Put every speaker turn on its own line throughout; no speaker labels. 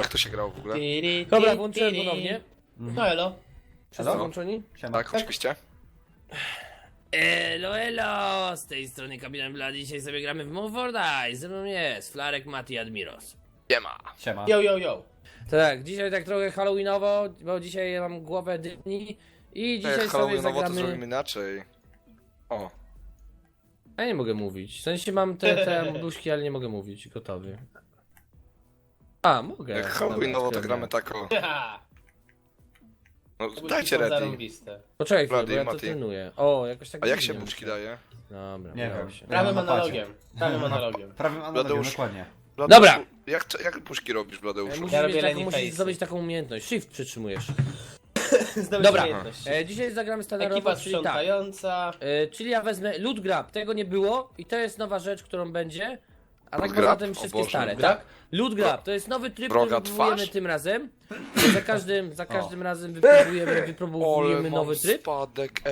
Jak to się grało w ogóle?
Dobra, włączyłem ponownie.
No elo.
Wszyscy włączoni?
Siema.
Tak, oczywiście.
Elo, elo! Z tej strony Kapitan Blad. Dzisiaj sobie gramy w Move or Die. Ze mną jest Flarek, Mati, Admiros.
Siema.
Siema.
Yo.
Tak, dzisiaj tak trochę halloweenowo, bo dzisiaj mam głowę dyni i dzisiaj
Jak
sobie
Halloweenowo to
zagramy...
zrobimy inaczej. O,
Ja nie mogę mówić, w sensie mam te moduszki, ale nie mogę mówić, gotowy. A, mogę.
jak
Dobra,
Halloweenowo to
odkryłem.
gramy tako.
Ha!
No
Buźki
dajcie
są
ready.
zarąbiste.
Poczekaj chwilę, bo
Blady,
ja to
Mati.
trenuję. O, jakoś tak
A jak się
dziwnie
buczki
muszę.
daje?
Dobra,
Nie
udało
wiem.
się.
Prawym
na padzie.
analogiem. Prawym analogiem.
Prawym analogiem,
Bladeusz.
dokładnie.
Bladeuszu,
Dobra.
Jak buczki robisz, Bladeuszu?
Musisz,
Ja
mieć
robię
taką,
Lenny
musisz
Face'y.
zdobyć taką umiejętność. Shift przytrzymujesz.
Zdobyć
Dobra.
umiejętność.
Dzisiaj zagramy standardowo,
Ekipa
czyli tak.
sprzątająca.
Czyli ja wezmę loot grab, tego nie było i to jest nowa rzecz, którą będzie. A tak
Loot
poza
grab?
tym
O
wszystkie
Boże.
stare,
Grab?
tak? Loot grab, to jest nowy tryb,
Wroga
który wypróbujemy
twarz?
tym razem. Za każdym razem
Ale
wypróbujemy
mam
nowy tryb.
spadek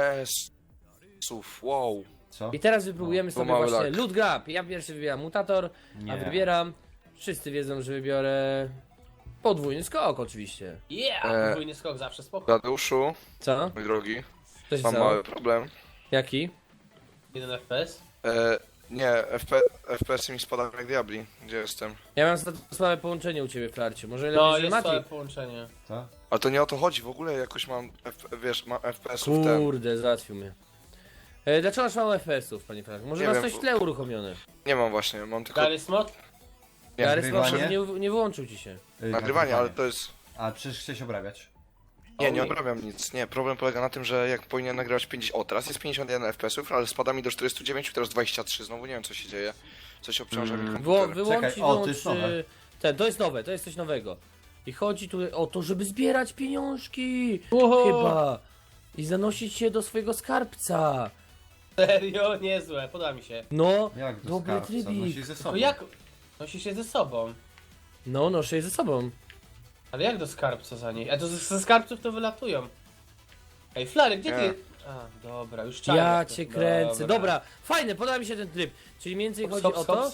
FPS-ów, wow.
Co?
I teraz wypróbujemy
to
sobie
mały
właśnie
lag.
loot grab. Ja pierwszy wybieram mutator, a
Nie.
wybieram. Wszyscy wiedzą, że wybiorę podwójny skok oczywiście.
Yeah! Podwójny skok zawsze spoko.
Bladeuszu,
Co?
mój drogi,
Coś
mam
co?
mały problem.
Jaki?
1 FPS.
Nie, FPS mi spada jak diabli. Gdzie jestem?
Ja mam słabe połączenie u ciebie, Flarciu. Może lepiej,
No
że
jest
Mati?
całe połączenie.
Co?
Ale to nie o to chodzi, w ogóle jakoś mam, wiesz, mam FPS-ów ten.
Kurde, załatwił mnie. Dlaczego masz mało FPS-ów, panie Flarek? Może
Nie
masz
wiem,
coś w
bo-
tle uruchomione?
Nie mam właśnie, mam tylko
Gary Smot?
Nie,
Garys
nagrywanie?
nie wyłączył ci się.
nagrywanie, ale to jest...
A przecież chciałeś obrabiać.
Nie obrabiam nic, nie, problem polega na tym, że jak powinien nagrywać 50... O, teraz jest 51 FPS-ów, ale spada mi do 49, teraz 23, znowu nie wiem co się dzieje. Coś obciąża mi komputer.
Wyłącz
Czekaj,
i
o, to
wyłącz...
jest nowe.
To jest nowe, to jest coś nowego. I chodzi tu o to, żeby zbierać pieniążki!
Uhu.
Chyba! I zanosić się do swojego skarbca!
Serio? Niezłe, podoba mi się.
No,
Jak do
dobry
skarbca?
trybik.
Nosisz ze sobą.
No jak? Nosi się ze sobą.
No, noszę je ze sobą.
Ale jak do skarbca za niej? A to ze skarbców to wylatują. Ej, Flary, gdzie
Nie.
ty? A, dobra, już czaję.
Ja
to.
cię kręcę. Dobra, fajne, podoba mi się ten tryb. Czyli mniej więcej chodzi o to...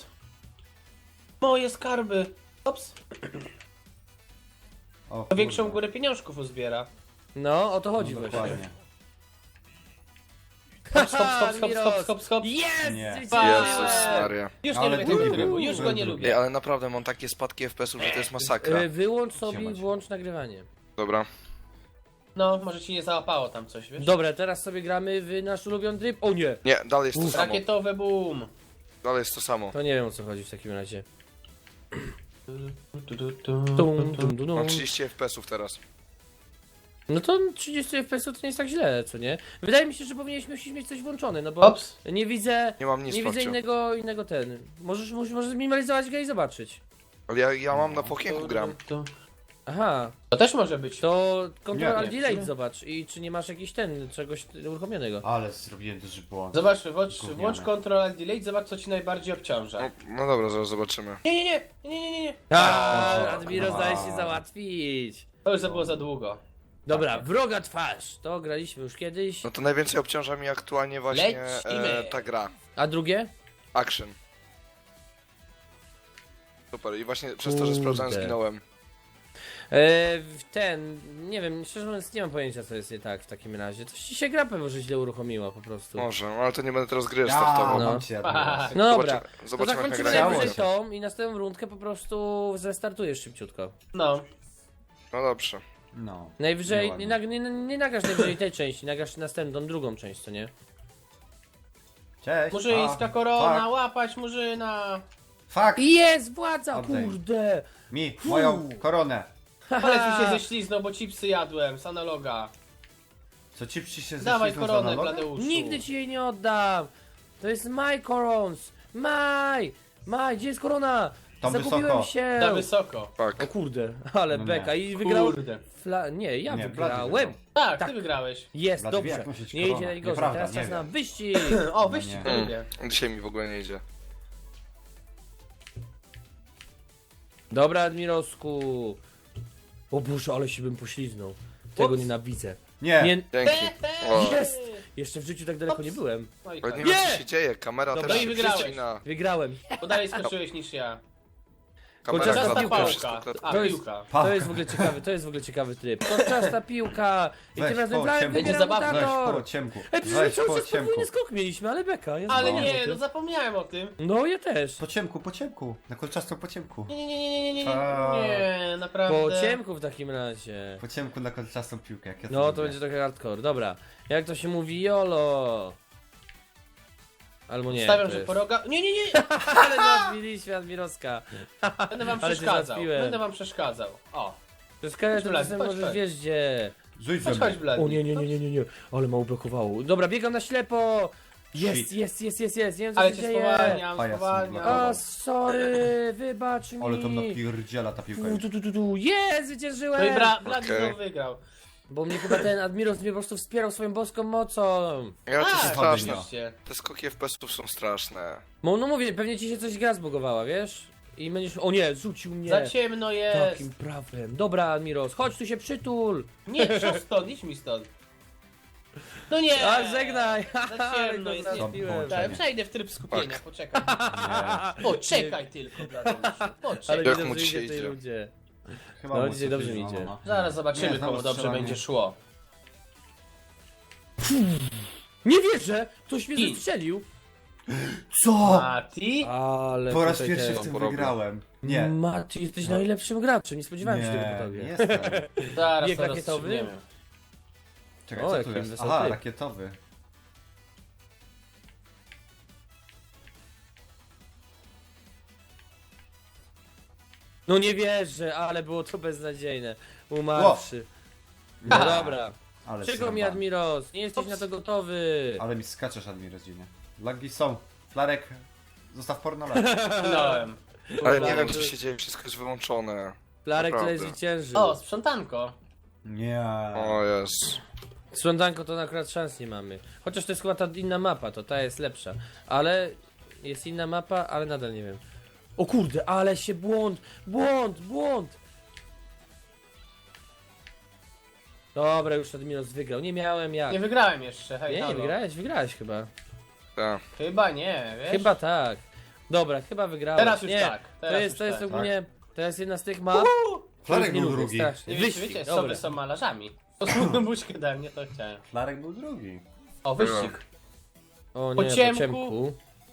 Moje skarby. Hops.
O,
To większą
kurde.
górę pieniążków uzbiera.
No, o to chodzi
No,
właśnie.
dokładnie.
Hop.
Jest!
Nie.
Jezus Maria.
Już nie
Ale
lubię tego
drugi
trybu,
był.
już go nie
Drugi.
Ej,
lubię.
ale naprawdę mam takie spadki FPS-ów, że to jest masakra.
Wyłącz sobie i
Siemać.
włącz nagrywanie.
Dobra.
No, może ci nie załapało tam coś, wiesz?
Dobra, teraz sobie gramy w nasz ulubiony tryb. O nie!
Nie, dalej jest to samo.
Rakietowe boom.
Dalej jest to samo.
To nie wiem o co chodzi w takim razie.
Mam 30 FPS-ów teraz.
No to 30 FPS to nie jest tak źle, co nie? Wydaje mi się, że powinieneś mieć coś włączone, no bo
Hops.
nie widzę.
Nie mam nic
Nie widzę
Marciu.
innego ten. Możesz zminimalizować go i zobaczyć.
Ale ja mam na pokienku gram.
Aha,
To też może być.
to Ctrl
Nie,
Alt
nie.
Delete zobacz i czy nie masz jakiś czegoś uruchomionego.
Ale zrobiłem duży błąd.
Zobacz,
Gówniane.
włącz Ctrl Alt Delete, zobacz co ci najbardziej obciąża.
No dobra, zaraz zobaczymy.
Nie.
Admiro zdaje się załatwić.
To już było za długo.
Dobra, wroga twarz. To graliśmy już kiedyś.
No to najwięcej obciąża mi aktualnie właśnie
Lecimy.
ta gra.
A drugie?
Action. Super, i właśnie przez to, że sprawdzałem,
Kurde.
zginąłem.
Nie wiem, szczerze mówiąc nie mam pojęcia co jest nie tak w takim razie. Coś ci się gra pewnie, że źle uruchomiła po prostu.
Może, ale to nie będę teraz gry
Ja,
startował.
No.
mam cię teraz.
No dobra, to
Zobaczymy jak
zakończymy
nagranie
najwyżej
będzie.
tą i następną rundkę po prostu zrestartujesz szybciutko.
No.
No dobrze.
No.
Najwyżej,
Nieładnie.
nie nagrasz najwyżej tej części, nagrasz następną, drugą część, co nie?
Cześć.
Murzyńska korona,
Fuck.
łapać murzyna.
Fuck.
Jest władza,
Oddaj.
kurde!
Mi, moją koronę.
Palec mi się ześliznął, bo chipsy jadłem z analoga.
Co ci się
Dawaj
ześlizgnął z
koronę,
analoga?
Bladeuszu.
Nigdy ci jej nie oddam! To jest my corons! My, gdzie jest korona?
Tam
Zagubiłem
wysoko.
się!
Za wysoko.
Tak.
O kurde, ale
No
beka
nie.
i wygrał...
Kurde.
Nie, ja
Nie,
wygrałem.
Blady wygrał.
Tak,
Tak.
ty wygrałeś.
Jest,
Blady wie,
dobrze.
jak nosić
Nie idzie
koronę.
najgorzej.
Nieprawda,
Teraz
nie
czas na
wiem.
wyścig.
O, wyścig
nie.
to lubię.
Dzisiaj mi w ogóle nie idzie.
Dobra, Admirosku. O Boże, ale się bym pośliznął. Tego
Ups.
nienawidzę.
Nie.
Nie...
Dzięki. O,
Jest! Jeszcze w życiu tak daleko nie byłem.
No i
ale
tak.
nie wiem
Nie!
co się dzieje, kamera
Dobra,
też
i
się
wygrałeś.
przycina.
Wygrałem.
Bo dalej skoczyłeś niż ja.
Kamera
Kolczasta
Czasta
klatuje,
piłka.
wszystko
pałka.
klatuje.
A,
To jest-
piłka.
To jest w ogóle ciekawy, to jest w ogóle ciekawy tryb. Kolczasta piłka! I
Weź,
tym razem
po
Flary
ciemku.
Będzie
wybiera
zabawne.
Weź po
mutator!
ciemku.
Ej, przecież
Weź
cały
po
czas
ciemku.
podwójny skok mieliśmy, ale beka. Ja
Ale
zapomniałem o
nie,
tym.
no zapomniałem o tym.
No ja też.
Po ciemku, po ciemku. Na kolczastą po ciemku.
Nie,
A.
nie, naprawdę.
Po ciemku w takim razie.
Po ciemku na kolczastą piłkę, jak ja
No to
lubię.
będzie trochę hardcore. Dobra. Jak to się mówi? YOLO! Albo nie.
Stawiam,
to
że
jest.
poroga... Nie,
Ale załatwiliśmy Admirowska.
będę wam
Ale cię
przeszkadzał.
załatwiłem.
Będę wam przeszkadzał. O,
To jest kare, to
Blady,
czasem
chodź,
możesz
chodź.
wiesz gdzie.
Rzuć ze
chodź,
mną.
chodź, Blady.
O nie. Ale mało blokowało. Dobra, biegam na ślepo! Jest. Nie wiem co
Ale
się
cię
dzieje.
spowalniam,
Pajac
spowalniam.
O, sorry, wybacz mi.
Ale to napierdziela ta piłka.
Jest, zwyciężyłem!
No i Blady
Okej.
znowu wygrał.
Bo mnie chyba ten Admiros mnie po prostu wspierał swoją boską mocą.
Ja to jest
Tak,
straszne.
oczywiście.
Te skoki FPS-ów są straszne.
No mówię, pewnie ci się coś gra zbugowała, wiesz? I będziesz... O nie, rzucił mnie.
Za ciemno jest.
Takim prawem. Dobra, Admiros, chodź tu się przytul.
Nie, co stąd, idź mi stąd. No nie!
A, żegnaj.
Za ciemno
Ale
jest,
go
nie.
zabiłem.
Tak, przejdę w tryb skupienia,
Tak.
poczekaj.
Nie.
Poczekaj tylko, Bladeuszu,
Ale
poczekaj.
Jak
nie
mu
dobrze
dzisiaj
idzie w tej
idzie?
rundzie.
Chyba
No,
mocno
dzisiaj dobrze
się
mi
złamał,
idzie.
no.
Zaraz zobaczymy,
Nie, znowu
komu dobrze
strzelanie.
będzie szło.
Nie wierzę! Ktoś mnie
I-
zestrzelił.
Co?
Mati?
Ale
Po raz
tutaj
pierwszy
te-
w tym
porobię.
wygrałem. Nie.
Mati, jesteś najlepszym graczem, nie spodziewałem się tego po
Nie,
tobie.
nie jestem.
Zaraz
Bieg
to
rakietowy?
rozstrzygniemy.
Czekaj,
O,
co
jaki
tu jest?
wesoły
Aha,
typ.
rakietowy.
No nie wierzę, ale było to beznadziejne. Umarłszy. No
Ha.
dobra.
Ale
Czego mi
zrąbane.
Admiros? Nie jesteś na to gotowy.
Ale mi skaczesz, Admirodzinie. Lagi są. Flarek, zostaw pornola.
Minąłem.
Ale
Dobra,
nie wiem
to-
co się dzieje, wszystko jest wyłączone.
Flarek tutaj
Naprawdę.
zwyciężył.
O, sprzątanko.
Nie.
O jest.
Sprzątanko to akurat szans nie mamy. Chociaż to jest chyba ta inna mapa, to ta jest lepsza. Ale jest inna mapa, ale nadal nie wiem. O kurde, ale się błąd! Dobra, już Admiros wygrał. Nie miałem jak.
Nie wygrałem jeszcze, hej,
Nie,
halo.
wygrałeś chyba.
Tak.
Chyba nie, wiesz?
Chyba tak. Dobra, chyba wygrałeś.
Teraz już
nie,
tak, teraz już
to jest
tak.
ogólnie, to jest jedna z tych map.
Flarek
których nie
był
lubię
drugi.
strasznie.
Nie wiecie,
Wyścig,
soby
dobra.
są malarzami. Posługną buźkę dałem, nie to chciałem.
Flarek był drugi.
O, wyścig.
O
Po
nie,
ciemku.
po ciemku.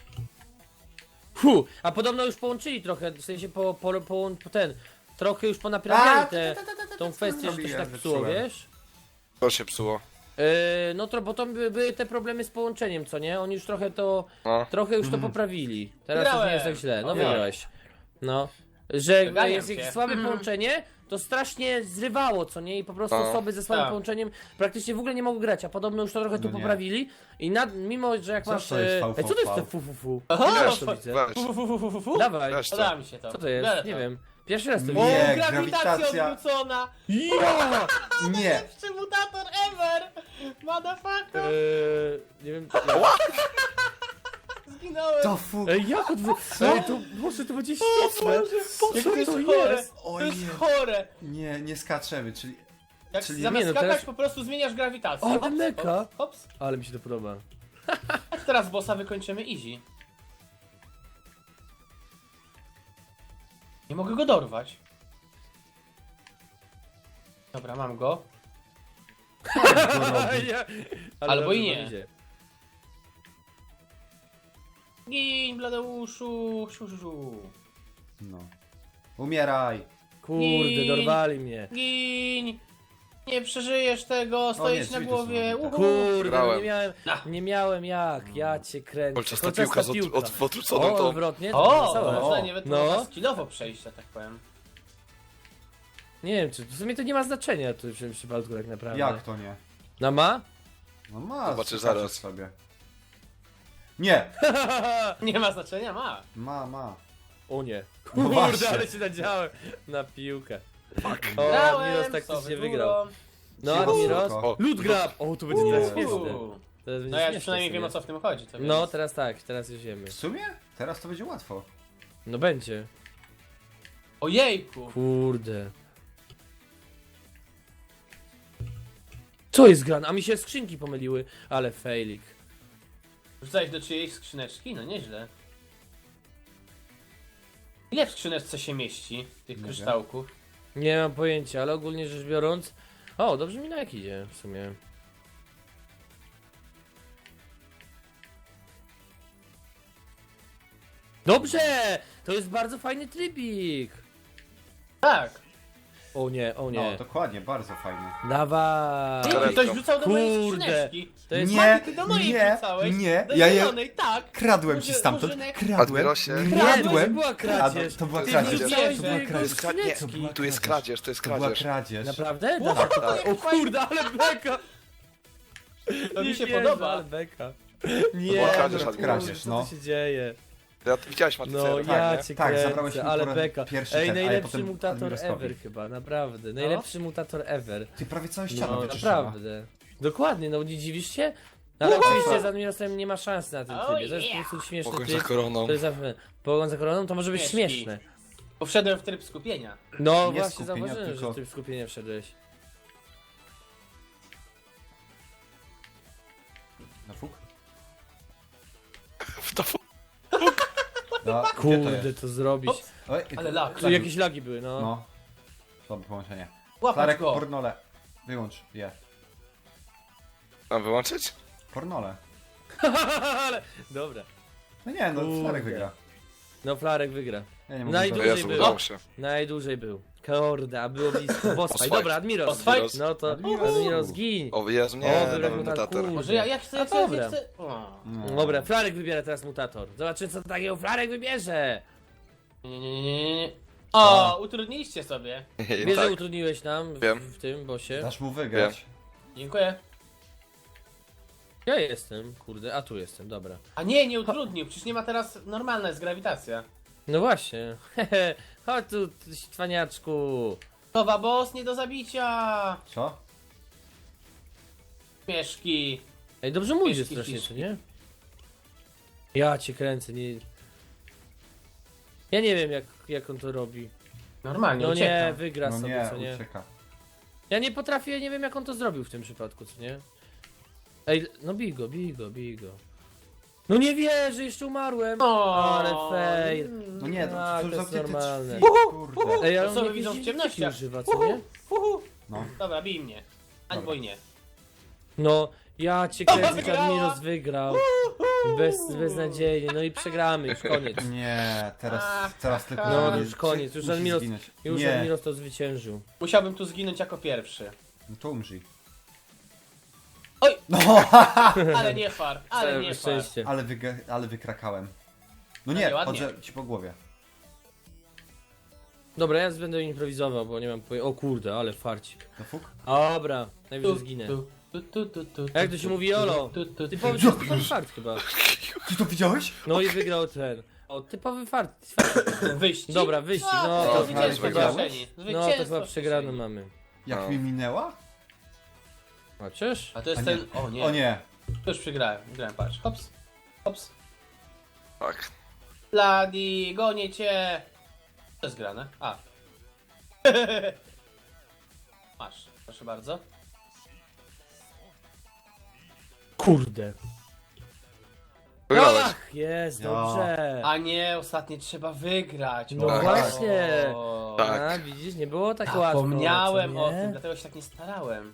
A podobno już połączyli trochę, w sensie ten, trochę już ponaprawiali tą kwestię, że to się
zrobiłem,
tak psuło,
zepsułem.
wiesz?
To się psuło.
No to, bo to były te problemy z połączeniem, co nie? Oni już
No.
trochę już to poprawili. Teraz już nie jest tak źle, no
Wygrałem.
wygrałeś. No. Że
Wyganiam
jest
cię.
jak słabe połączenie, to strasznie zrywało, co nie? I po prostu
No.
osoby ze słabym
Tak.
połączeniem praktycznie w ogóle nie mogły grać, a podobno już to trochę tu
No nie.
poprawili. I mimo, że jak
Co
masz...
to jest
co to jest
VVV?
te fu?
Aha,
Teraz to widzę.
Weź,
Dawaj,
weź
Podoba
to.
mi się to.
co to jest?
Biorę
Nie
to.
wiem. Pierwszy raz to
O,
widzę.
Nie,
grawitacja
grawitacja.
odwrócona!
Ja!
Nie.
Najlepszy mutator ever! Motherfucker!
Nie wiem.
Zginąłem!
To fu...
Ej, jak Ej, to może to będzie świetne.
Jak to jest
to
chore!
jest?
To
Oj,
jest
nie.
chore!
Nie, nie skaczemy, czyli...
Jak
Czyli-
zamiast
Nie, no
skakać
teraz-
po prostu zmieniasz grawitację.
O,
Hops,
meka.
hops, hops.
Ale mi się to podoba.
Tak teraz bossa wykończymy easy. Nie mogę go dorwać. Dobra, mam go.
Ale
Albo
dobrze
i nie.
to idzie.
Gin, Bladeuszu! Siu, siu, siu.
No. Umieraj.
Kurde,
I-
dorwali mnie.
Gin! Nie przeżyjesz tego, stoisz
nie,
na
drzwi tu
głowie.
są.
Uhu.
Kurde, no
Grałem.
nie miałem jak. Ja cię kręcę.
Kolczasta piłka z odwróconą
O,
tą.
odwrotnie.
O,
wesołe.
można
O,
nawet
no.
skillowo przejść, że tak powiem.
Nie wiem, czy w sumie to nie ma znaczenia tu w tym przypadku tak naprawdę.
Jak to nie?
No ma?
No ma,
Zobaczysz
skaczesz
zaraz.
sobie. Nie!
Nie ma znaczenia, ma.
Ma.
O nie.
No
Kurde,
właśnie.
ale się nadziałem na piłkę.
Fuck.
O,
Grałem,
Admiros
sowy
taktycznie
górą.
wygrał. No,
Cicho,
Admiros.
spoko.
Loot grab! O, to będzie teraz śmieszne.
Uuu.
To będzie
No ja
śmieszne
przynajmniej
sobie.
wiem o co w tym chodzi. To
No,
więc-
teraz tak, teraz już wiemy.
W sumie? Teraz to będzie łatwo.
No będzie.
Ojejku!
Kurde. Co jest grane? A mi się skrzynki pomyliły, ale failik.
Rzucałeś do czyjejś skrzyneczki? No nieźle. Ile w skrzyneczce się mieści tych
Nie
kryształków?
Nie mam pojęcia, ale ogólnie rzecz biorąc... O, dobrze mi na jak idzie w sumie. Dobrze! To jest bardzo fajny trybik!
Tak.
O nie, o
No,
nie.
dokładnie, bardzo fajnie.
Dawaj!
Ty,
Karetką.
ktoś wrzucał do mojej
Kurde.
skrzyneczki.
To jest...
Nie,
Mati, ty do mojej
nie,
wrzucałeś.
nie,
Do
ja je-
zielonej, tak.
Kradłem ci stamtąd,
Murzynek.
kradłem,
Admirosie.
Nie, to
kradłem,
była kradzież.
To była
Ty
kradzież,
wrzuciłeś
to była
do
kradzież.
To jest,
skrzyneczki.
nie, tu jest kradzież, to jest
To była
kradzież.
kradzież.
Naprawdę?
Wow,
O kurde, ale beka!
To mi
Nie
się
wierzę,
podoba.
ale beka. Nie,
była kradzież,
no,
Admiros.
Kradzież,
co
no.
tu się dzieje?
Widziałeś Mati,
No
co
ja
nie?
cię
Tak,
kręcę,
zabrałeś mi
ale
po raz
beka.
pierwszy
Ej,
ten, a ja
najlepszy
potem
mutator
Admirosowi.
ever chyba, naprawdę. Najlepszy mutator ever.
Ty prawie całą ścianę
No
wyczyszczała.
naprawdę. Dokładnie, no nie dziwisz się? Ale oczywiście z Admirosem nie ma szans na tym
Oh,
trybie. To jest
yeah.
po prostu śmieszny
Pogoń za
tryb.
koroną.
To jest zawsze... Pogoń za koroną to może być
Śmieszki.
śmieszne.
Bo wszedłem w tryb skupienia.
No
Nie
właśnie
skupienia,
zauważyłem,
tylko-
że ty w skupienie wszedłeś.
Na fuk?
W to
No, gdzie to
Kurde,
jest?
to zrobić.
Ops.
Oj,
Ale lag.
Tu jakieś lagi były, no.
No. Dobre połączenie.
Łapać
Flarek,
go.
pornole. Wyłącz je.
Mam wyłączyć?
Pornole.
Ale... Dobra.
No nie, no
Kurde.
Flarek wygra.
No Flarek wygra.
Ja nie mogę
Najdłużej
dojść.
Jezu,
był.
udało się.
Najdłużej był. Kurde, a było blisko. Boss fight.
fight.
Dobra, Admiros.
Boss fight?
Admiros.
No to
Admiros.
Admiros zgiń.
O Jezu,
O,
nie,
wybrać
nowy
mutator.
mutator.
Może ja chcę, ja
A
chcę, ja
dobra.
chcę. O.
No.
Dobra, Flarek wybiera teraz mutator. Zobaczymy co takiego Flarek wybierze.
Nie. O, utrudniliście sobie.
Wiesz, że
Tak.
utrudniłeś nam
Wiem.
w tym bossie.
Dasz mu wygrać.
Dziękuję.
Ja jestem, kurde, a tu jestem, dobra.
A nie utrudnił, przecież nie ma teraz normalna jest grawitacja.
No właśnie. Hehe. Chodź tu, ty cwaniaczku.
Nowa boss nie do zabicia.
Co?
Śmieszki.
Ej, dobrze mu idzie
Fiszki,
strasznie,
fiszki.
czy nie? Ja cię kręcę, nie... Ja nie wiem jak on to robi.
Normalnie,
No nie,
uciekam.
wygra
No
sobie,
nie,
co nie?
ucieka.
Ja nie potrafię, nie wiem jak on to zrobił w tym przypadku, co nie? Ej, no bij go, bij go, bij go. No nie wierzę, jeszcze umarłem.
O,
Ale fail.
No nie, to
Tak,
co
to
za
jest
ty
normalne.
kurde.
Ej, ale
To co
on
wy widzą
jakieś
w ciemnościach?
używa, co nie?
No.
Dobra, bij mnie. Albo
Dobra.
i nie.
No, ja cię kręcę,
wygrała.
Admiros wygrał. Beznadziejnie, no i przegramy, już koniec.
Nie, teraz tylko...
No, już koniec, już
musi
Admiros-
zginąć.
Już
Nie,
Admiros to zwyciężył.
Musiałbym tu zginąć jako pierwszy.
no to umrzyj.
Oj!
No,
Ale nie far, ale
Całe
nie far.
szczęście.
ale wykrakałem. No
No
nie,
nie, ładnie.
chodzę ci po głowie.
Dobra, ja będę improwizował, bo nie mam pojęcia. O kurde, ale farcik.
No fuk?
Dobra, najwyżej zginę. Jak to się mówi, Jolo? Typowy fart chyba.
Ty to widziałeś?
No i wygrał ten. O, typowy fart.
Wyścig?
Dobra, wyścig,
A,
no.
to
to
zwycięstwo
wygrałeś?
kieszeni.
No to
Zwycięstwo
chyba
w
przegraną
kieszeni.
mamy.
Jak
No.
mi minęła?
Chociaż?
A to jest
A nie.
ten... O nie.
O nie.
To już przegrałem. Grałem, patrz. Hops. Hops.
Tak.
Bloody, gonię cię. To jest grane. A. Masz. Proszę bardzo.
Kurde.
Wygrałeś.
Ach, jest,
Ja.
dobrze.
A nie, ostatnie trzeba wygrać.
No
Tak.
właśnie.
O.
Tak.
A, widzisz, nie było tak łatwo.
Zapomniałem
co
o
nie?
tym, dlatego się tak nie starałem.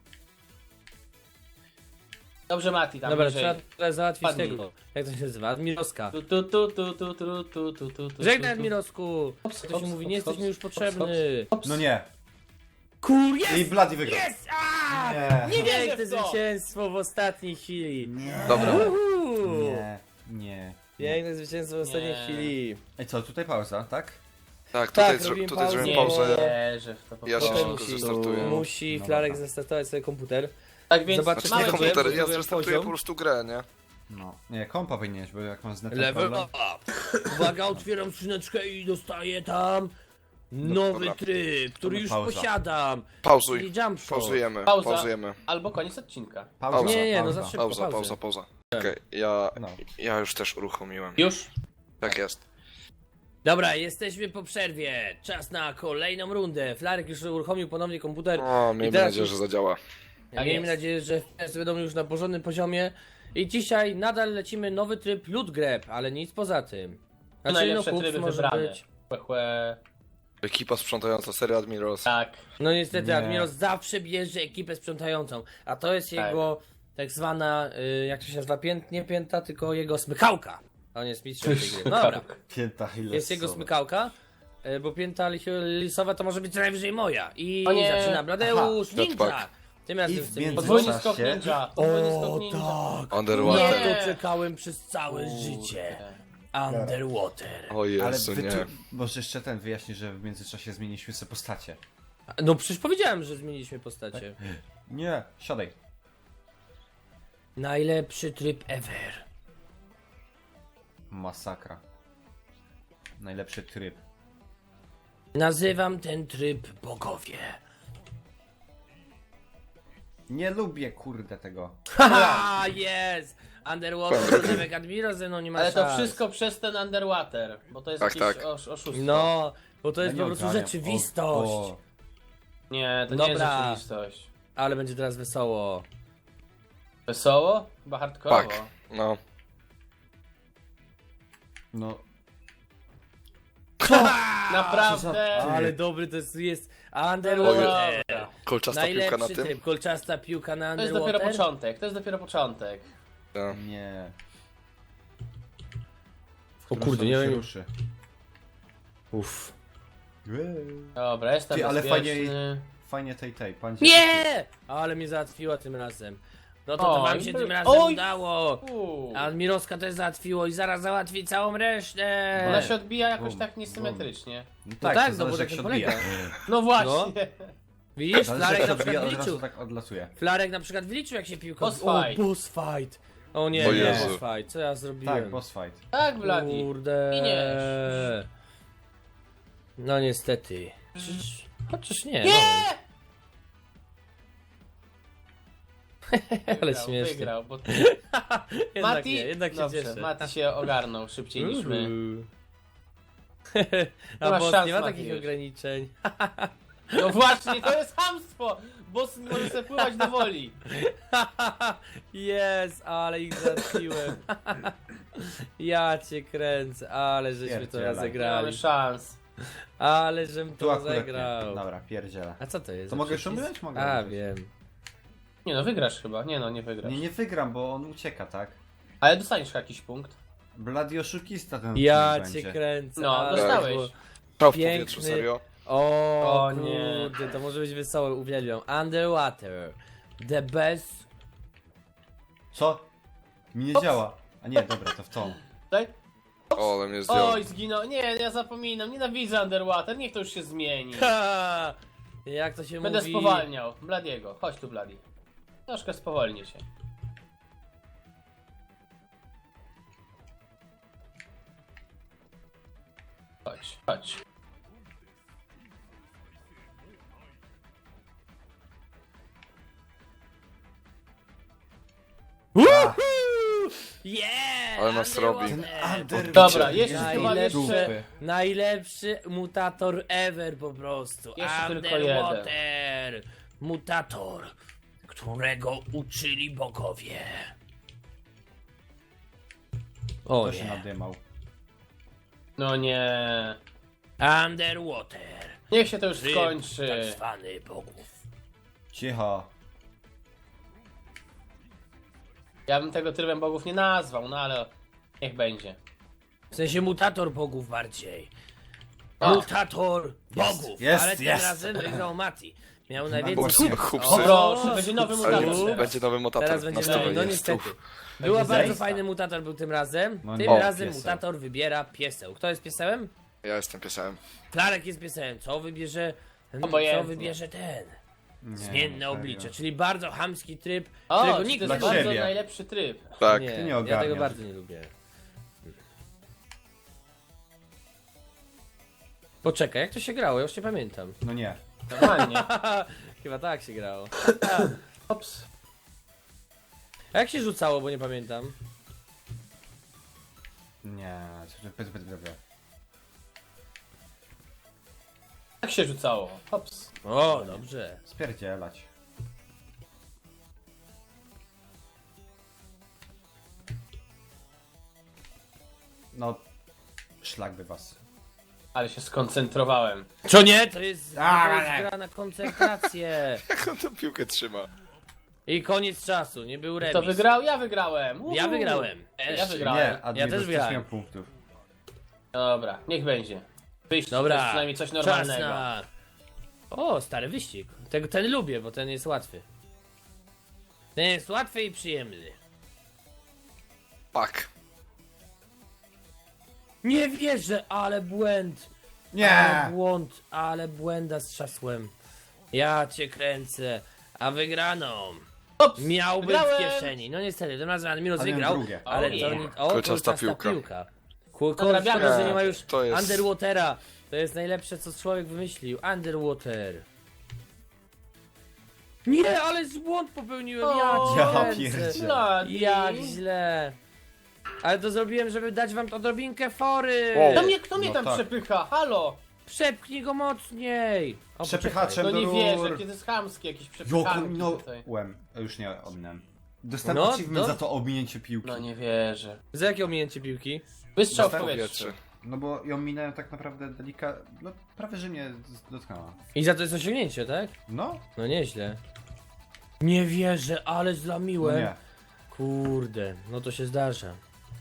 Dobrze, Mati, tam
Dobra,
bliżej.
trzeba teraz załatwić
Padnij.
tego. Jak to się nazywa? Admiroska.
Tu.
Żegnaj, Admirosku.
Hops,
To się
hops,
mówi,
hops,
nie jesteś
hops,
mi już
hops,
potrzebny.
hops.
No nie.
Kur,
I
jest!
Bloody wygrał.
Jest! A!
Nie.
Nie wierzę
Piękne
w to!
zwycięstwo w ostatniej chwili.
Nie.
Dobra.
Uhu.
Nie. Nie.
Piękne zwycięstwo w ostatniej
Nie.
chwili.
Ej co, tutaj pauza, tak?
Tak,
Tak,
tutaj,
robimy
tutaj zrobimy
Nie
pauzę.
wierzę w to po
Ja się
prostu.
szybko
musi-
zestartuję.
Musi
No
Flarek
dobra.
zrestartować sobie komputer.
Tak więc
Zobaczcie,
Znaczy nie
mamy
komputer, ja
zrobiłem
zrestartuję
poziom.
po prostu grę, nie?
No. Nie, kompa powinieneś, bo jak mam z netem
Level
problem.
up! Uwaga, otwieram skrzyneczkę i dostaję tam nowy
dobra.
tryb, który już
Pauza.
posiadam.
Pauzuj.
Czyli jump shot.
Pauzujemy,
Pauza.
pauzujemy.
Albo koniec odcinka.
Pauza,
Nie, no
pauza.
za szybko.
Pauza.
Tak.
Okej,
No.
ja już też uruchomiłem.
Już?
Tak jest.
Dobra, jesteśmy po przerwie. Czas na kolejną rundę. Flarek już uruchomił ponownie komputer.
O, miejmy
teraz
nadzieję,
już-
że zadziała.
Tak
Miejmy
jest.
nadzieję, że FPS będą już na porządnym poziomie. I dzisiaj nadal lecimy nowy tryb loot grab, ale nic poza tym. Znaczy,
najlepsze
hoops
tryby
może
wybrane.
być.
Chłe.
Ekipa sprzątająca, seria Admirals.
Tak.
No niestety,
Nie.
Admiros zawsze bierze ekipę sprzątającą, a to jest
Tak.
jego tak zwana, jak to się nazywa, nie pięta, tylko jego smykałka. On jest mistrzem tej gry. No dobra,
Pięta ile
jest jego smykałka, bo pięta lisowa to może być co najwyżej moja. I
O nie.
zaczyna Bladeusz,
Aha,
ninja!
tak.
Tym razem
I w
z tym
między-
Podwójny
czasie-
skok ninja. Podwójny skok ninja.
tak!
Underwater.
Nie.
To czekałem przez całe życie. Underwater.
O
Ale
Jezu,
wy
nie.
tu, może jeszcze ten wyjaśni, że w międzyczasie zmieniliśmy sobie postacie.
No przecież powiedziałem, że zmieniliśmy postacie.
Nie, siadaj.
Najlepszy tryb ever.
Masakra. Najlepszy tryb.
Nazywam ten tryb bogowie.
Nie lubię kurde tego.
Haha, jest! Underwater, Zemek Admiro ze mną nie ma
Ale to
szans.
wszystko przez ten Underwater, bo to jest
Tak,
jakieś
tak.
oszustwo.
No, bo to jest
Ja
po
nie
prostu
ogarniam.
rzeczywistość.
O,
Nie, to nie jest
Dobra.
rzeczywistość.
Ale będzie teraz wesoło.
Wesoło? Chyba hardkorowo.
Tak, no.
no,
Naprawdę?
Ale dobry to jest
Ojej.
Underwater.
Kolczasta piłka na
Najlepszy
tym.
tryb, kolczasta piłka na
To jest
Underwater.
dopiero początek, to jest dopiero początek.
No.
nie.
O kurde, nie
się
wiem.
ruszy.
Uff.
Dobra, jestem
Ty, ale
bezpieczny.
Fajnie tej, pan
Nie! Ale mnie załatwiła tym razem. No to
Oj,
wam się tym razem
oj.
udało.
Uuu.
A Admirowska też załatwiło i zaraz załatwi całą resztę.
Ona się odbija jakoś
Bum,
tak niesymetrycznie.
No
tak,
tak,
no
to
bo
zależy
tak
jak się
to
odbija.
No właśnie.
Widzisz,
Zależy
Flarek
jak
na
się odbija,
przykład
od razu
wyliczył.
tak odlatuje.
Flarek na przykład wyliczył jak się piłka...
Boss
O,
fight.
boss fight. O nie,
O
nie,
Jezu.
boss fight. Co ja zrobiłem?
Tak, boss fight.
Tak, Bladi.
Kurde.
Giniesz.
No niestety. Chociaż nie.
Nie!
Ale
Wygrał,
śmiesznie.
Wygrał, bo...
Jednak
Mati...
nie, jednak się
Dobrze,
cieszę.
Mati się ogarnął szybciej niż my.
A
masz
boss
szans,
nie ma
Mati,
takich
już.
ograniczeń.
No właśnie, to jest chamstwo! Boss może sobie pływać do woli.
Jest, ale ich zabiłem. Ja cię kręcę, ale żeśmy to
Pierdzielaj.
Nie mamy
rozegrali.
szans.
Ale żem
Tu
to
akurat nie.
rozegrał.
Dobra, pierdzielę.
A co to jest?
To
za
mogę już
przycisk?
umierać? Mogę
A,
umierać.
wiem.
Nie no, wygrasz chyba. Nie no, nie wygrasz.
Nie wygram, bo on ucieka, tak?
Ale dostaniesz jakiś punkt.
Blady oszukista ten
Ja
odcinek
cię
będzie.
No,
kręcę.
Tak.
ale
dostałeś.
było-
Strzał w
Piękny.
powietrzu, serio.
O,
O nie.
kurde, to może być wesołe, uwielbiam. Underwater. The best.
Co? Mi nie działa. A nie, dobra, to w tą.
Daj.
O, ale mnie zdjął.
Oj, zginął. Nie, ja zapominam. Nienawidzę Underwater. Niech to już się zmieni.
Ha! Jak to się
Będę
mówi?
spowalniał. Bladiego. Chodź tu, Bladi. Troszkę spowolni się. Chodź, chodź.
Woohoo! Yeah!
Ale nas robi.
Underwater.
Dobra, jeszcze
Jest
chyba
najlepszy,
jeszcze...
najlepszy mutator ever po prostu.
Jeszcze tylko
Underwater. Mutator, którego uczyli bogowie. O
To się
nie.
nadymał.
No nie.
Underwater.
Niech się to już
Tryb
skończy.
tak zwany bogów.
Cicho.
Ja bym tego trybem bogów nie nazwał, no ale niech będzie.
W sensie mutator bogów bardziej.
O.
Mutator bogów.
jest,
Ale tym
jest.
razem wygrał Mati. Miał najwięcej
Chłopcy,
punktów.
chłopcy.
O proszę, będzie nowy
Ale
mutator
już
teraz.
będzie nowy mutator.
Teraz będzie
na
nowy,
stole
no
jest.
niestety.
Uf.
Była
Będzie
bardzo
zajsta.
fajny mutator był tym razem.
No
Tym
nie,
razem
pieseł.
mutator wybiera pieseł. Kto jest piesełem?
Ja jestem piesem.
Klarek jest piesełem. Co wybierze?
Obojętnie.
Co wybierze ten?
Nie,
Zmienne
serio.
oblicze, czyli bardzo chamski tryb,
O,
którego
czyli
nikt
to
nie
jest
Dla
bardzo
siebie.
najlepszy tryb.
Tak.
Nie,
Ty nie
ja
ogarniasz.
tego bardzo nie lubię. Poczekaj, jak to się grało? Ja już nie pamiętam.
No nie.
Normalnie.
Chyba tak się grało.
Ops.
A jak się rzucało, bo nie pamiętam.
Nie.
Jak się rzucało? Ops.
O, dobrze.
Spierdzielać. No. Szlak by was.
Ale się skoncentrowałem.
Co nie? To jest
Ale.
gra na koncentrację.
Jak on tą piłkę trzyma?
I koniec czasu, nie był remis.
Kto wygrał? Ja wygrałem. Uhu.
Ja wygrałem.
Ja wygrałem.
Nie, Admiros
też
też
wygrałem.
miał punktów.
Dobra, niech będzie. Wyjść to
Dobra,
jest przynajmniej coś
czas
normalnego.
na... O, stary wyścig. Ten lubię, bo ten jest łatwy. Ten jest łatwy i przyjemny.
Pak.
Nie wierzę, ale błęd.
Nie!
Ale błąd, ale błęda z trzasłem. Ja cię kręcę. A wygraną
Ops,
miałby w
wygrałem.
kieszeni. No niestety, tym razem Admiros
A miałem
wygrał,
drugie.
ale
O
to
nie.
nie... O,
Kolczasta
kolczasta
piłka.
Szkoda, że nie ma już
To jest-
Underwatera. To jest najlepsze, co człowiek wymyślił. Underwater. Nie, ale błąd popełniłem. Ja
O,
cię
ja
kręcę.
pierdzielę.
Bloody.
Jak źle. Ale to zrobiłem, żeby dać wam odrobinkę fory.
Wow.
Kto mnie
No
tam
tak.
przepycha? Halo!
Przepchnij go mocniej. O,
Przepychaczem.
No nie
Rur.
wierzę, kiedy jest chamskie jakieś
Joko
przepychanki tutaj.
minąłem. Już nie ominąłem. Dostałem
No,
achievement
no.
za to ominięcie piłki.
No nie wierzę.
Za jakie ominięcie piłki?
Wystrzał w
Dostałem
powietrze.
Powietrze.
No bo ją minąłem tak naprawdę no prawie że mnie dotknęła.
I za to jest osiągnięcie, tak?
No,
No nieźle. Nie wierzę, ale
no
zlamiłem.
nie.
Kurde, no to się zdarza.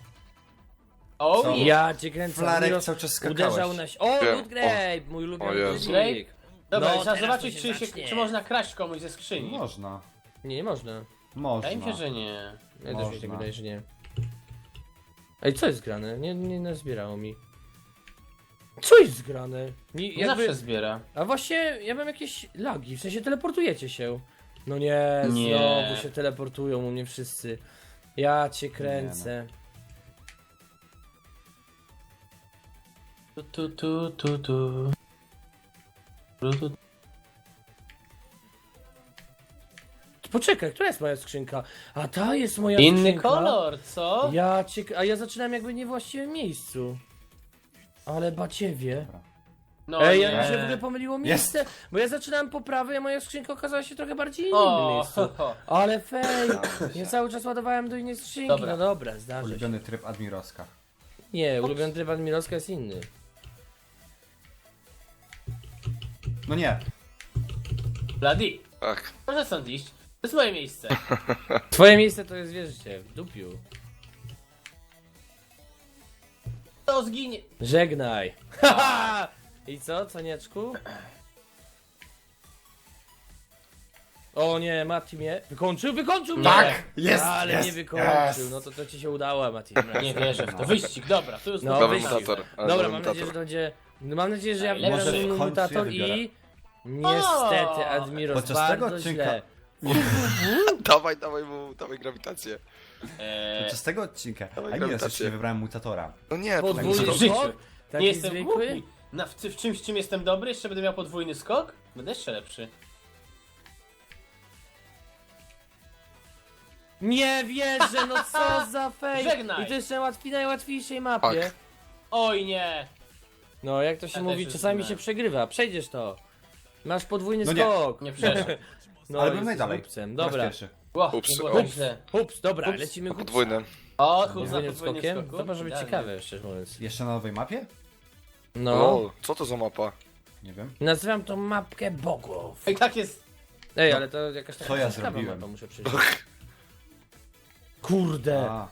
O
Co?
nie!
Ja cię kręcę.
Flarek
Admiros
cały czas
uderzał
skakałeś.
na... O,
Wiem.
Loot Grape, mój
O
ulubiony
Jezu.
wyścig.
Dobra,
No,
trzeba
teraz
zobaczyć,
to
czy,
się zacznie.
czy można kraść komuś ze skrzyni.
Można.
Nie, nie można.
Można.
Wydaje mi się, że nie.
Ja też mi się
Można.
wydaje, że nie. Ej, co jest grane? Nie nazbierało mi. Co jest grane? Nie,
Nie zawsze zbiera.
A właśnie, ja mam jakieś lagi, w sensie teleportujecie się. No nie,
Nie.
znowu się teleportują u mnie wszyscy. Ja cię kręcę.
Tu.
Poczekaj, która jest moja skrzynka? A ta jest moja
Inny
skrzynka.
kolor, co?
A ja zaczynam jakby nie w właściwym miejscu. Ale baciewie.
No
Ej,
nie.
ja mi się w ogóle pomyliło miejsce, bo ja zaczynałem po prawej, a moja skrzynka okazała się trochę bardziej innym
O,
miejscu. Ale fej! Ja cały czas ładowałem do innej skrzynki.
Dobra.
No dobra, zdarzy się.
Ulubiony tryb Admirowska.
Nie, ulubiony tryb Admirowska jest inny.
No nie.
Bloody,
Tak.
proszę stąd iść. To jest moje miejsce.
Twoje miejsce to jest, wierzcie, w dupiu.
To zginie.
Żegnaj. Haha! I co, conieczku? O nie, Mati mnie wykończył mnie!
Tak,
jest,
Ale
jest,
nie wykończył,
jest.
no to ci się udało, Mati.
Nie wierzę w to. Wyścig, dobra, tu już
No,
możemy
wyścig.
Mutator. Ale
Dobra,
to
mam nadzieję, że to będzie... No, mam nadzieję, że ja
Najlepszy.
wybieram
Może w końcu
mutator
ja wybiorę.
i... Niestety,
O!
Admiros,
Podczas tego
bardzo
odcinka-
źle.
Dawaj grawitację.
Podczas tego odcinka
Dawaj
Admiros
grawitację.
jeszcze nie wybrałem mutatora.
No nie,
Podwójny
w życiu.
skok? Taki
Nie jestem
zwykły?
głupi. W czymś, czym jestem dobry, jeszcze będę miał podwójny skok? Będę jeszcze lepszy.
Nie wierzę, no co za fej!
Żegnaj.
I to jeszcze najłatwiejszej mapie.
Tak.
Oj nie!
No, jak to się
Ja
mówi,
też już
czasami
znałem.
się przegrywa. Przejdziesz to. Masz podwójny
No nie.
skok.
Nie przeszedł.
No,
Ale byłem
jesteś
najdalej.
głupcem.
Po raz
Dobra.
pierwszy.
Ło,
Ups,
nie było tak
ups.
źle.
Ups, dobra,
Ups.
lecimy kupca.
podwójne.
O, kurwa,
Podwójnym
podwójnym
skokiem?
skoku.
To może być
Idealnie.
ciekawe, szczerze mówiąc.
Jeszcze na nowej mapie?
No.
O, co to za mapa?
Nie wiem.
Nazywam to mapkę bogów.
Ej, tak jest.
Ej,
No.
ale to jakaś taka
Co ja
ciekawa
zrobiłem?
mapa, muszę przyjść. Kurde.
A,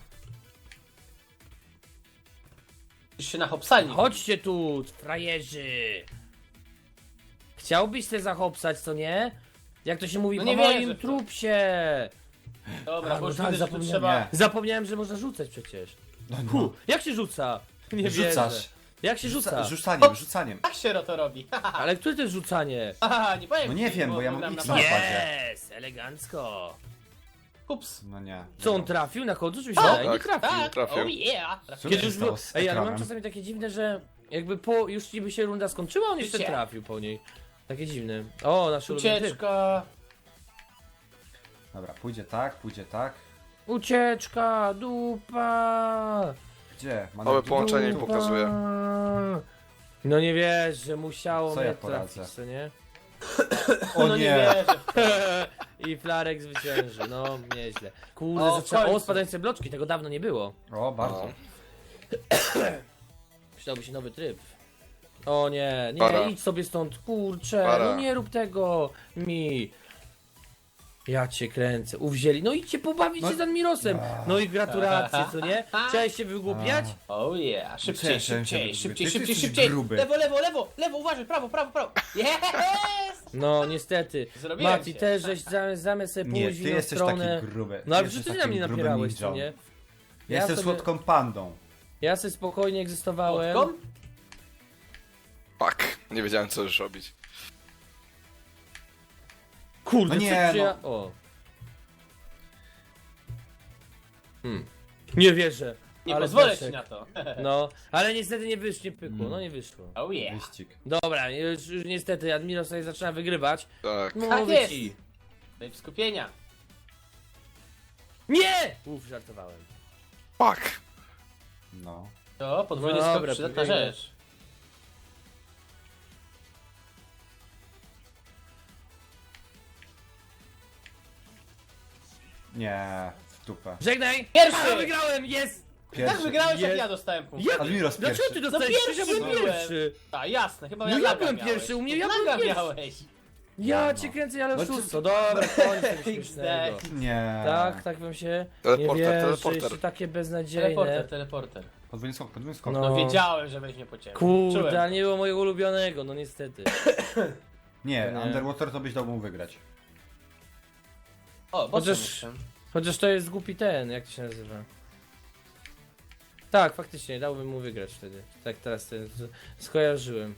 Już się na hopsali.
Chodźcie tu, frajerzy. Chciałbyś se zahopsać, co nie? Jak to się mówi,
No
po
nie
moim
wierzę w to.
trupsie.
Dobra,
A,
bo
no
już
tak,
widzę, że tu
zapomniałem.
trzeba...
Zapomniałem, że można rzucać przecież.
no,
Hu, jak się rzuca? Nie wierzę.
Rzucasz.
Jak się rzuca?
Rzucaniem.
Tak się to robi.
Ale które to jest rzucanie?
Haha, nie powiem
No nie
ci,
wiem, bo ja mam
gram
X
na
na
padzie.
padzie.
Yes, elegancko.
Ups.
No nie.
Co, on
Dobra.
trafił na końcu? Czy mi się
Tak,
wydaje? Nie trafił.
Tak,
trafił.
oh yeah.
Co
Kiedy
się
już
stało
było...
z
Ej, ale mam
ekranem?
czasami takie dziwne, że jakby po... już niby się runda skończyła, on jeszcze
Życie.
trafił po niej. Takie dziwne. O, nasz ulubiony tryb.
Ucieczka.
Dobra, pójdzie tak, pójdzie tak.
Ucieczka, dupa.
Gdzie? Ma
Małe
na-
połączenie mi
dupa.
pokazuje.
No nie wiesz, że musiało
Co
mnie
ja poradzę?
trafić, co nie?
O
No nie
nie.
wierzę.
I Flarek zwycięży, no nieźle. Kurde,
O, w
zaczęło... O,
końcu.
spadające bloczki, tego dawno nie było.
O, bardzo.
No.
Przydałby się nowy tryb. O nie, nie,
Para.
idź sobie stąd, kurczę,
Para.
no nie rób tego mi. Ja cię kręcę, uwzięli, no idźcie pobawić się z Admirosem. No i gratulacje, co nie? Chciałeś się wygłupiać?
Oh yeah, szybciej,
Cześć,
szybciej,
cześć,
szybciej,
ty
szybciej,
jesteś
szybciej.
gruby.
Lewo, lewo, lewo, lewo, uważaj, prawo, prawo, prawo. Yes!
No niestety,
Zrobiłem
Mati
się.
też żeś zamiast sobie
Nie,
pójść
ty
w inną
jesteś
stronę.
taki gruby.
No ale
Jesteś
przecież ty na
takim
mnie
grubym
napierałeś, co
ninją.
nie?
Ja jestem
sobie-
słodką pandą.
Ja sobie spokojnie egzystowałem.
Podkom?
Fuck, nie wiedziałem co już robić.
Kurde,
No nie,
czy ja... O. Nie wierzę.
Nie
ale
pozwolę
Daszek.
ci na to.
No, ale niestety nie wyszło, nie pykło, no nie wyszło.
Oh yeah.
Wyścig.
Dobra, już niestety Admiros sobie zaczyna wygrywać.
Tak.
No,
Tak
mówię
jest.
ci.
Daj skupienia.
Nie! Uff, żartowałem.
Fuck.
No.
To podwójny
Dobra,
skok, przydatna
podwójny.
rzecz.
Nie, w dupę.
Żegnaj!
Pierwszy!
A, wygrałem, jest!
Tak wygrałeś, jak
Jest.
ja dostałem punkt.
Ja...
Admiros
Dlaczego
pierwszy.
ty dostałeś?
pierwszy
Ja byłem
byłem.
pierwszy.
A jasne, chyba
No
ja
ja
laga
byłem
miałeś.
pierwszy, u mnie ja
Laga
byłem pierwszy.
miałeś.
Ja
No.
cię kręcę, ale
No
oszustwo. Dobra, koniec tego śmiesznego.
Nie.
Tak wam się
Teleporter,
nie wierzy,
teleporter.
jeszcze takie beznadziejne.
Teleporter, teleporter.
Podwójny skok, podwójny skok.
No.
No wiedziałem, że weźmie po ciebie.
Kurde,
Czułem.
ale nie było mojego ulubionego, no niestety.
Nie,
Nie.
Underwater to byś dał mu wygrać.
O, bo
Chociaż- Chociaż to jest głupi ten, jak to się nazywa? Tak, faktycznie, dałbym mu wygrać wtedy. Tak teraz ten, skojarzyłem.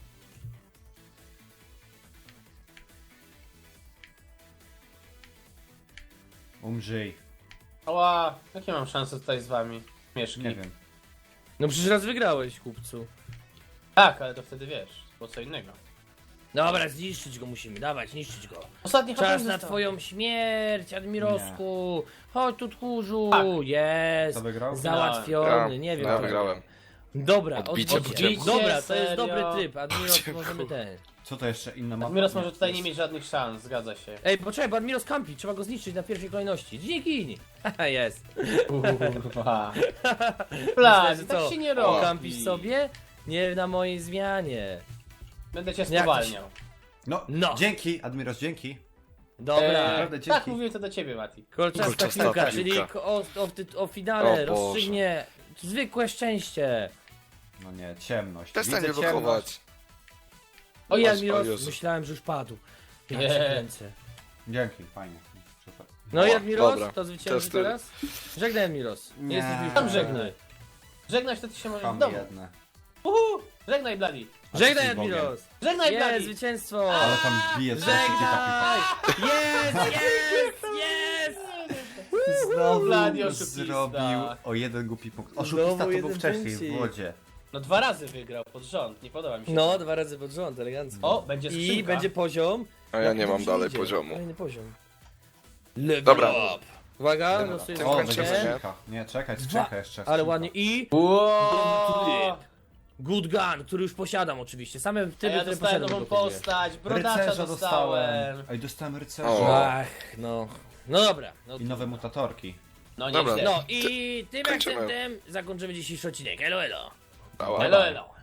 Umrzyj.
Ała, jakie mam szanse tutaj z wami? Mieszki.
Nie wiem.
No przecież raz wygrałeś, kupcu.
Tak, ale to wtedy wiesz, było co innego.
Dobra, zniszczyć go musimy, dawać, niszczyć go.
Ostatni
Czas
HP
na
został.
twoją śmierć, Admirosku. Chodź tu, tchórzu.
Tak.
Jest.
Kto wygrał?
Załatwiony,
Grałem.
nie wiem.
Ja
kto
wygrałem.
Dobra,
Odbicie po
odbicie.
ciemku.
Dobra, to jest
Serio?
dobry tryb. Admiros,
ciemku.
możemy ten.
Co to jeszcze inna mapa?
Admiros może tutaj nie mieć żadnych szans, zgadza się.
Ej, poczekaj, bo Admiros kampi, trzeba go zniszczyć na pierwszej kolejności. Dzięki! Haha, jest.
Kurwa.
Myślę,
Plan,
że
tak
co?
się nie
O,
robi.
kampisz sobie? Nie na mojej zmianie.
Będę cię
Jak to się-
spowalniał.
No,
No.
dzięki, Admiros, dzięki.
Dobra.
Naprawdę, dzięki.
Tak, mówiłem to do ciebie, Mati.
Kolczasta
Kolczasta
piłka,
piłka.
czyli o finale
O Boże.
rozstrzygnie zwykłe szczęście.
No nie, ciemność.
Przestań mnie
Widzę
blokować.
Oj,
O
Admiros,
Jezu.
myślałem, że już padł. Ja
Nie.
cię kręcę.
Dzięki, fajnie. Przeszedł.
No i
O,
Admiros,
dobra.
to zwycięży
Testy.
teraz? Żegnaj, Admiros.
Nie.
Jesteś już
Tam żegnaj. Żegnać to ty się możesz w
Chamy
domu.
jedne.
Żegnaj, Bloody.
Żegnaj,
jesteś Bogiem.
Admiros.
Żegnaj,
Jest,
Bloody.
zwycięstwo.
Ale tam bije co szybciej ta piłka.
Żegnaj! Jest, jest, jest!
Znowu
Bloody oszukista.
zrobił o jeden głupi punkt. Oszukista to był
jeden
wcześniej
punkcik.
w wodzie.
No 2 razy wygrał pod rząd, nie podoba mi się.
No,
to.
2 razy pod rząd, elegancko.
O, będzie skrzynka.
I będzie poziom.
A ja
Jak
nie
to
mam
dobrze
dalej
idzie.
poziomu.
Kolejny poziom. Level
Dobra.
up. Uwaga,
Dobra.
losuję
O,
O,
będzie
będzie
skrzynkę.
skrzynka. Nie, czekaj, skrzynka jeszcze.
Ale
skrzynka.
ładnie. I
Wow.
Good Gun, który już posiadam oczywiście. Same
A
typy,
ja
które
dostałem
posiadam.
nową
dokupuję.
postać, brodacza
Rycerza
dostałem.
Ej, dostałem rycerza.
O.
Ach, no. No dobra. No,
I nowe mutatorki.
No
Dobra.
nieźle.
no i tym
Kończymy.
akcentem zakończymy dzisiejszy odcinek. Elo, elo.
Ała.
Elo, elo.